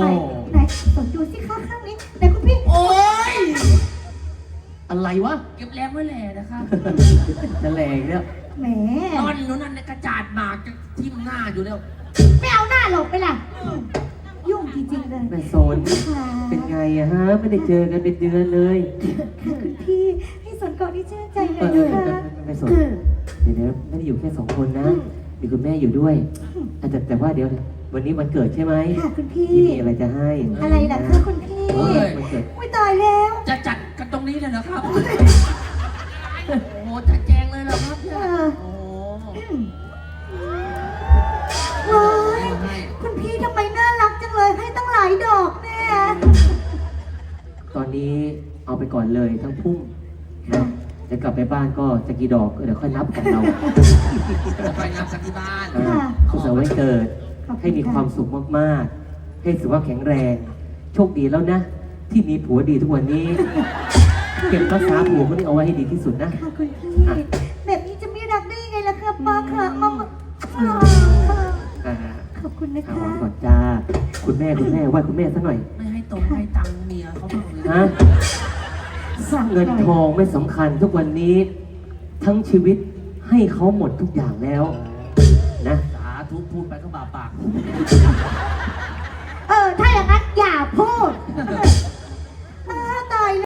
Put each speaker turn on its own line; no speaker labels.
ไปไหนสนดูสิคะข้างนี้แต่คุณพี่
โอ๊ย
อะไรวะ
เก็บแรงไว้แหล่นะครับ
จะแหลกเนี่ย
แหม
ตอนนู้นนั่นกระจาดหมากจะทิ่มหน้าอยู่แล้ว
ไม่เอาหน้าหลบไปล่ะยุ่งจริงๆเลย
แม่สน
ค่ะ
เป็นไงอะฮะ ไม่ได้เจอกันเป็นเดือนเลย
ค่ะคุณพี่ให้สนก่อนที่ชื่นใจหน่
เอ
อย
อ
นะคะ
แม่สนเดี๋ยวไม่ได้อยู่แค่2 คนนะมีคุณแม่อยู่ด้วยแต่ว่าเดี๋ยววันนี้วันเกิดใช่ไหม
ค่ะคุณพี่
ที่มีอะไรจะให้
อะไรล่ะคะคุณพี่
เฮ้ย
วันเกิด
ไม่ตายแล้ว
จะจัดกันตรงนี้เลยเหรอครับ โอ้โหจัดแจงเลยเหรอครับเนี่ยโอ้โห
ว้าย
ให้
คุณพี่ทำไมน่ารักจังเลยให้ตั้งหลายดอกเนี่ย
ตอนนี้เอาไปก่อนเลยทั้งพุ่มนะจะกลับไปบ้านก็จะกี่ดอกเดี๋ยวค่อยนับกันเรา
ไปงานสักที่บ้าน
สุขสันต์วันเกิด ให้มีความสุขมากๆ ให้สุขภาพแข็งแรง โชคดีแล้วนะ ที่มีผัวดีทุกวันนี้ เก็บรักษาผัวคนนี้เอาไว้ให้ดีที่สุดนะ
ค่ะคุณพี่แบบนี้จะไม่รักได้ยังไงล่ะคะป้าค่ะมาค่ะ
อ่า
ขอบคุณนะ
เอา
คะ
ก่อนจ้า คุณแม่ไหว้คุณแม่สักหน่อย
ไม่ให้ตรงให้ตังค์เมียเขาบ้างเลย
ฮะเงินทองไม่สำคัญทุกวันนี้ ทั้งชีวิตให้เขาหมดทุกอย่างแล้ว นะ
สาธุพูดไปก็บาปาก
ถ้าอย่างนั้นอย่าพูด